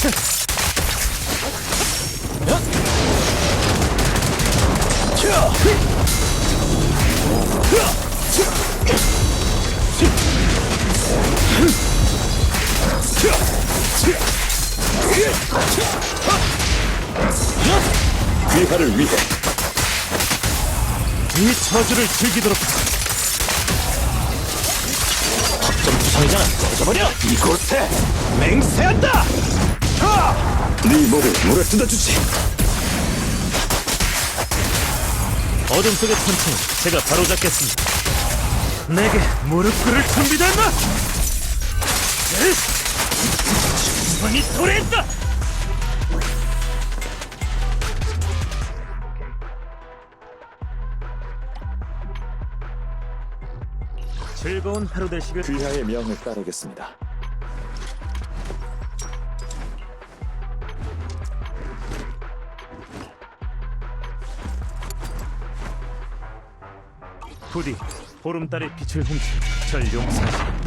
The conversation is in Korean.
귀하를 위해 이 저주를 즐기도록. 좀 부상이잖아. 꺼져버려. 이곳에 맹세한다. 네 목을 물에 뜯어주지. 어둠 속의 천천히 제가 바로잡겠습니다. 내게 무릎 꿇을 준비됐나? 충분히 도래했다. 즐거운 하루 되시길. 귀하의 명을 따르겠습니다. 부디 보름달의 빛을 훔친 절 용서하시고